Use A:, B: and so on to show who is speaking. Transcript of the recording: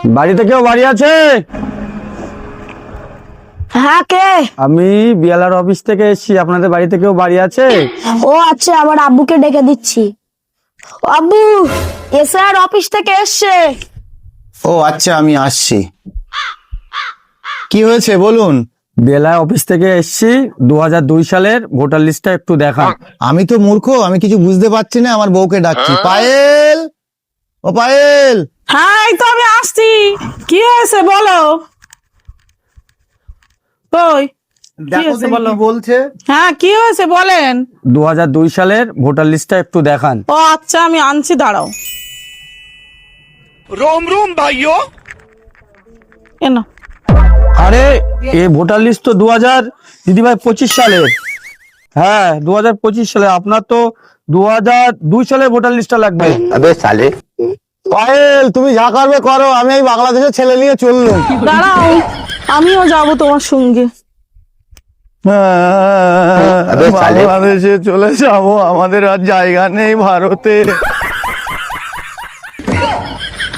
A: বাড়িতে কেউ বাড়ি আছে?
B: হ্যাঁ, কে?
A: আমি বিএলআর অফিস থেকে এসেছি, আপনাদের বাড়িতে কেউ বাড়ি আছে?
B: ও আচ্ছা, আবার আব্বুকে ডেকে দিচ্ছি। আব্বু, এসআর অফিস থেকে এসছে।
C: ও আচ্ছা, আমি আসছি। কি হয়েছে বলুন?
A: বিএলআর অফিস থেকে এসেছি, 2002 সালের ভোটার লিস্টটা একটু দেখান।
C: আমি তো মূর্খ, আমি কিছু বুঝতে পারছি না, আমার বউকে ডাকছি। পায়েল, ও পায়েল।
D: হ্যাঁ, এই তো আমি আসছি। কি হয়েছে বলো? ওই
C: দেখো
D: হয়েছে
C: দেখি
D: বলো।
C: কি বলছে।
D: হ্যাঁ, কি হয়েছে বলেন।
A: 2002 সালের ভোটার লিস্টটা একটু দেখান।
D: ও আচ্ছা, আমি আনছি, দাঁড়াও।
E: रोम रोम भाइयों।
D: এনো।
A: আরে এই ভোটার লিস্ট তো 2025 সালের। হ্যাঁ, 2025 সালে। আপনার তো 2002 সালের ভোটার লিস্টটা লাগবে।
C: পায়েল, তুমি যা করবে করো, আমি এই বাংলাদেশের ছেলে নিয়ে চললাম।
D: দাঁড়াও, আমিও যাব তোমার সঙ্গে।
A: বাংলাদেশে চলে যাবো, আমাদের আর জায়গা নেই ভারতে।